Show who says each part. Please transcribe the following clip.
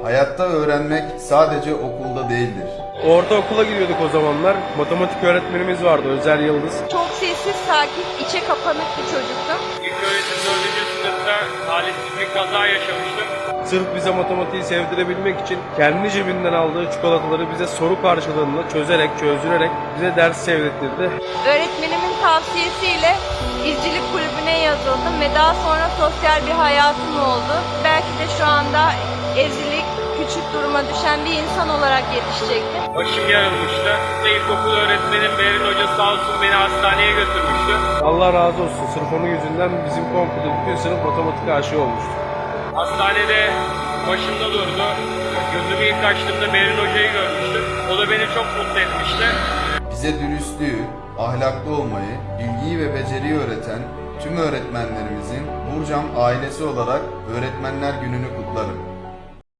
Speaker 1: Hayatta öğrenmek sadece okulda değildir.
Speaker 2: Ortaokula gidiyorduk o zamanlar. Matematik öğretmenimiz vardı, Özer Yıldız.
Speaker 3: Çok sessiz, sakin, içe kapanık bir çocuktum.
Speaker 4: İlk öğretim 4. sınıfta talihsiz bir kaza yaşamıştım.
Speaker 2: Sırf bize matematiği sevdirebilmek için kendi cebinden aldığı çikolataları bize soru karşılığında çözdürerek bize ders sevdirtirdi.
Speaker 3: Öğretmenimin tavsiyesiyle izcilik kulübüne yazıldım ve daha sonra sosyal bir hayatım oldu. Belki de şu anda ezilik, küçük duruma düşen bir insan olarak yetişecektim.
Speaker 4: Başım yarılmıştı. İlkokul öğretmenim Berin Hoca sağ olsun beni hastaneye götürmüştü.
Speaker 2: Allah razı olsun. Sırf onun yüzünden bizim komple bütün sınıf matematik aşığı olmuştu.
Speaker 4: Hastanede başımda durdu. Gözümü ilk açtığımda Berin Hoca'yı görmüştüm. O da beni çok mutlu etmişti.
Speaker 1: Bize dürüstlüğü, ahlaklı olmayı, bilgiyi ve beceriyi öğreten tüm öğretmenlerimizin Burcam ailesi olarak Öğretmenler Günü'nü kutlarım.